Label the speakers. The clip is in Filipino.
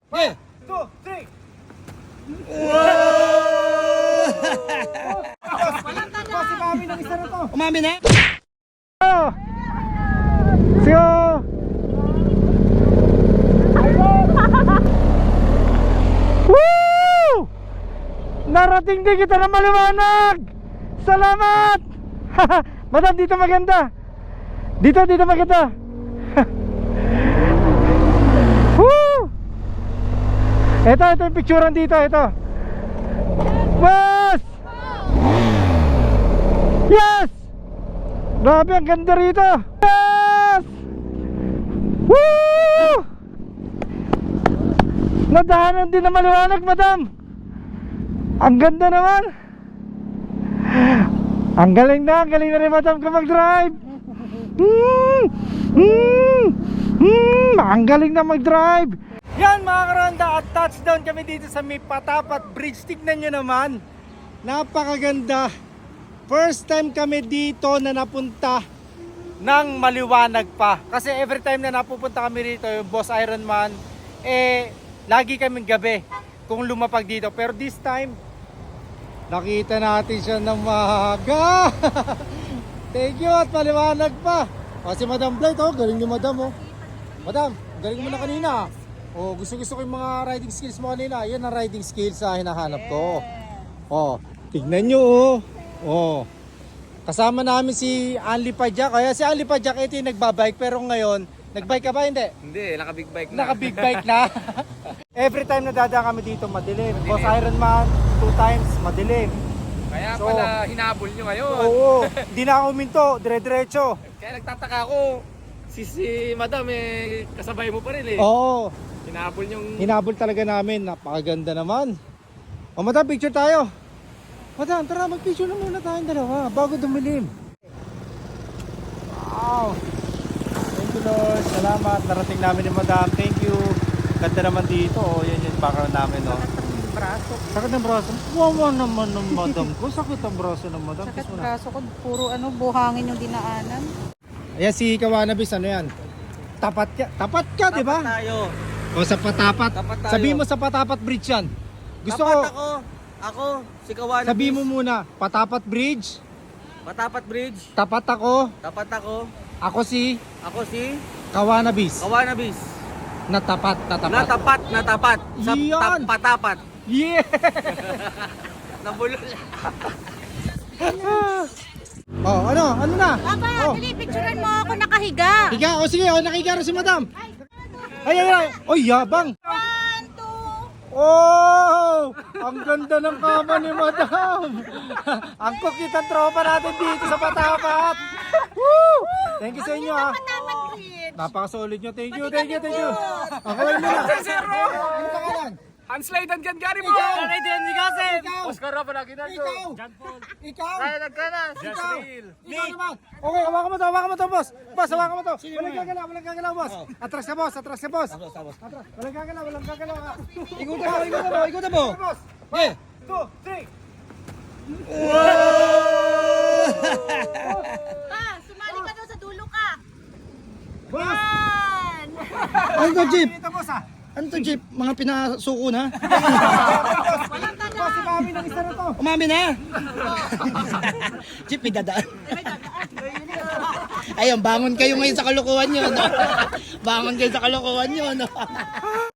Speaker 1: 1, 2, 3. Boss, si Mami ng isa na to.
Speaker 2: Umami na?
Speaker 1: Siyo! Woo! Narating din kita na maliwanag! Salamat! Madam, dito maganda. Dito maganda. Woo! Ito yung picturean dito, ito. Boss! Yes! Grabe, ang ganda rito. Yes! Woo! Nadahanan din na maliwanag, madam. Ang ganda naman. Ang galing na rin, madam, kung mag-drive. Ang galing na mag-drive. Yan mga karonda, at touchdown kami dito sa may Patapat Bridge. Tignan nyo naman, napakaganda. First time kami dito na napunta ng maliwanag pa. Kasi every time na napupunta kami dito, yung Boss Ironman, lagi kaming gabi kung lumapag dito. Pero this time, nakita natin siya ng maaga. Thank you, at maliwanag pa. Kasi Madam Blight, galing ni Madam. Madam, galing mo na kanina. Gusto ko yung mga riding skills mo kanina. Yan ang riding skills na hinahanap ko. Tignan nyo. Kasama namin si Anli Padjak. Kaya si Anli Padjak, ito yung nagbabike. Pero ngayon, nagbike ka ba? Hindi.
Speaker 2: Hindi, naka-big bike na.
Speaker 1: Naka-big bike na. Every time na dadaan kami dito, madilim. Boss Ironman, 2 times, madilim.
Speaker 2: Kaya pala hinabol nyo ngayon.
Speaker 1: Oo, hindi na ako uminto, dire-diretso.
Speaker 2: Kaya nagtataka ako, si Madam kasabay mo pa rin
Speaker 1: Oo,
Speaker 2: Hinabol yung...
Speaker 1: hinabol talaga namin. Napakaganda naman. Madam, picture tayo. Madam, tara, mag-picture na muna tayong dalawa bago dumilim. Wow. Thank you, Lord. Salamat. Narating namin ni Madam. Thank you. Ganda naman dito. Yan yung background namin. Sakit ng braso. Wawa naman ng Madam ko. Sakit ang braso ng Madam.
Speaker 3: Sakit braso ko. Puro buhangin yung dinaanan.
Speaker 1: Ayan si Kawanabis. Ano yan? Tapat ka. Tapat ka, di ba?
Speaker 2: Tapat tayo.
Speaker 1: O sa Patapat.
Speaker 2: Tapat tayo.
Speaker 1: Sabi mo sa Patapat Bridge yan. Gusto
Speaker 2: Tapat
Speaker 1: ko.
Speaker 2: ako, si Kawan.
Speaker 1: Sabi mo muna. Patapat Bridge.
Speaker 2: Patapat Bridge.
Speaker 1: Tapat ako.
Speaker 2: Tapat ako.
Speaker 1: Ako si
Speaker 2: Ako si
Speaker 1: Kawanabis.
Speaker 2: Kawanabis.
Speaker 1: Natapat.
Speaker 2: Natapat. Sa
Speaker 1: Yan.
Speaker 2: patapat.
Speaker 1: Yeah!
Speaker 2: Nabulol.
Speaker 1: Ano na?
Speaker 3: Papa, dali, picturean mo ako nakahiga.
Speaker 1: Higa, sige, nakihiga rin si Madam. Ay. Oy, yabang.
Speaker 3: 1, 2.
Speaker 1: Oh! Ang ganda ng kama ni Madam. Ang kukitang tropa natin dito sa Patapat. Woo! Thank you sa inyo ha. Napaka-solid nyo. Thank you. Ako lang muna. Ano pangalan?
Speaker 2: Hanslay dan gari mo.
Speaker 1: Ikaw.
Speaker 2: Ikaw. Oscar Rafa na kita.
Speaker 1: Ikaw.
Speaker 2: Ikaw.
Speaker 1: Ikaw naman. Okay, hawakan mo to, boss. Boss, hawakan mo to. Walang gagalaw, boss. Atras ka, boss. Atras. Walang gagalaw.
Speaker 2: Ikutan mo.
Speaker 1: Boss. 1, 2, 3.
Speaker 3: Pa, sumali ka daw sa dulo ka.
Speaker 1: Boss.
Speaker 3: 1.
Speaker 2: Ano to, Jeep?
Speaker 1: Dito, boss ha.
Speaker 2: Ano to, Jeep? Mga pinasuko na?
Speaker 3: Walang tanda.
Speaker 1: Boss, si Mami ng isa na to.
Speaker 2: Umami na? Jeep, may dadaan. Ayun, bangon kayo ngayon sa kalokohan nyo. Bangon kayo sa kalokohan nyo.